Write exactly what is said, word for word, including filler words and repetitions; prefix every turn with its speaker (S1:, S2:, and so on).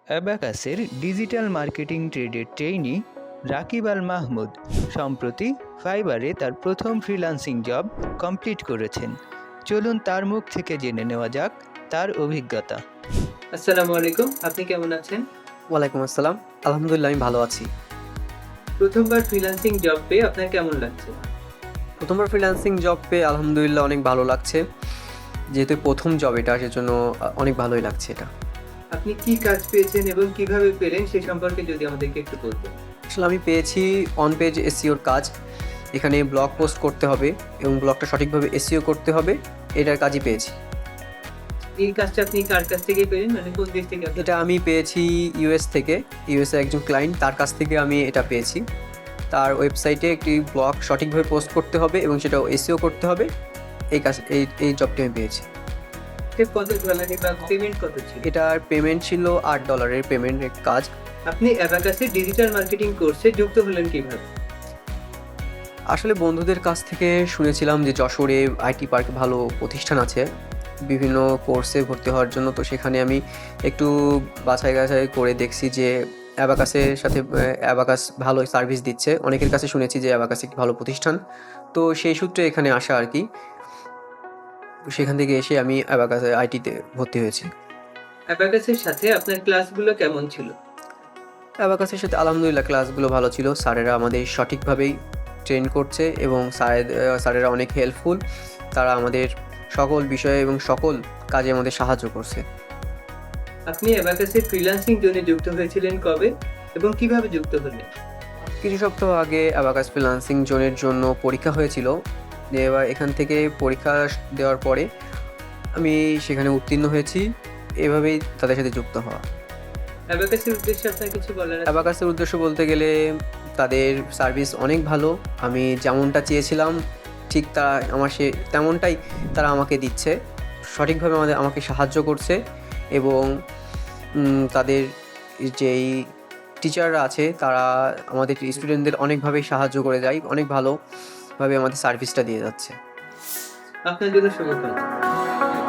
S1: অ্যাবাকাসের digital marketing ট্রেডের trainee Rakib Al Mahmud সম্প্রতি ফাইবারে তার প্রথম ফ্রিল্যান্সিং জব কমপ্লিট করেছেন। চলুন তার মুখ থেকে জেনে নেওয়া যাক তার অভিজ্ঞতা। আসসালামু আলাইকুম, আপনি কেমন আছেন?
S2: ওয়ালাইকুম আসসালাম। আলহামদুলিল্লাহ আমি ভালো আছি।
S1: প্রথমবার ফ্রিল্যান্সিং জব পেয়ে আপনার কেমন লাগছে?
S2: প্রথমবার ফ্রিল্যান্সিং জব পেয়ে আলহামদুলিল্লাহ অনেক ভালো লাগছে। যেহেতু প্রথম জব এটা, সেজন্য আ অনেক ভালোই লাগছে এটা।
S1: আপনি কি কাজ পেয়েছেন এবং কিভাবে পেলেন সে সম্পর্কে যদি আমাদেরকে একটু বলতেন।
S2: আসলে আমি পেয়েছি অন পেজ এসইওর কাজ। এখানে ব্লগ পোস্ট করতে হবে এবং ব্লগটা সঠিকভাবে এসইও করতে হবে। এটার কাজই পেয়েছি।
S1: এই কাজটা আপনি কার কাছ থেকে পেলেন, মানে কোন দেশ থেকে?
S2: এটা আমি পেয়েছি ইউএস থেকে। ইউএসএ একজন ক্লায়েন্ট, তার কাছ থেকে আমি এটা পেয়েছি। তার ওয়েবসাইটে একটি ব্লগ সঠিকভাবে পোস্ট করতে হবে এবং সেটা এসইও করতে হবে। এই কাজ এই এই জবটি আমি পেয়েছি।
S1: কত ডলারে বা পেমেন্ট কত ছিল?
S2: এটার পেমেন্ট ছিল আট ডলারের পেমেন্টের কাজ।
S1: আপনি অ্যাবাকাসের ডিজিটাল মার্কেটিং কোর্সে যুক্ত হলেন কিভাবে?
S2: আসলে বন্ধুদের কাছ থেকে শুনেছিলাম যে যশোরে আইটি পার্কে ভালো প্রতিষ্ঠান আছে বিভিন্ন কোর্সে ভর্তি হওয়ার জন্য। তো সেখানে আমি একটু বাছাই গাছাই করে দেখছি যে অ্যাবাকাসের সাথে অ্যাবাকাস ভালো সার্ভিস দিচ্ছে। অনেকের কাছে শুনেছি যে অ্যাবাকাস একটি ভালো প্রতিষ্ঠান। তো সেই সূত্রে এখানে আসা আর কি। সেখান থেকে এসে আমি অ্যাবাকাসে আইটিতে ভর্তি হয়েছি।
S1: অ্যাবাকাসের সাথে আপনার ক্লাসগুলো কেমন ছিল?
S2: অ্যাবাকাসের সাথে আলহামদুলিল্লাহ ক্লাসগুলো ভালো ছিল। স্যারেরা আমাদের সঠিকভাবেই ট্রেন করছে এবং স্যার স্যারেরা অনেক হেল্পফুল। তারা আমাদের সকল বিষয়ে এবং সকল কাজে আমাদের সাহায্য করছে।
S1: আপনি অ্যাবাকাসের ফ্রিল্যান্সিং জোনে যুক্ত হয়েছিলেন কবে এবং কিভাবে যুক্ত হলেন?
S2: কিছু সপ্তাহ আগে অ্যাবাকাস ফ্রিল্যান্সিং জোনের জন্য পরীক্ষা হয়েছিল। যে এবার এখান থেকে পরীক্ষা দেওয়ার পরে আমি সেখানে উত্তীর্ণ হয়েছি। এভাবেই তাদের সাথে যুক্ত হওয়া।
S1: অ্যাবাকাসের উদ্দেশ্যে আপনার কিছু বলার আছে?
S2: অ্যাবাকাসের উদ্দেশ্য বলতে গেলে তাদের সার্ভিস অনেক ভালো। আমি যেমনটা চেয়েছিলাম ঠিক তা আমার সে তেমনটাই তারা আমাকে দিচ্ছে। সঠিকভাবে আমাদের আমাকে সাহায্য করছে এবং উম তাদের যেই টিচাররা আছে তারা আমাদের স্টুডেন্টদের অনেকভাবেই সাহায্য করে যায়। অনেক ভালোভাবে আমাদের সার্ভিসটা দিয়ে যাচ্ছে।
S1: আপনার জন্য শুভকামনা।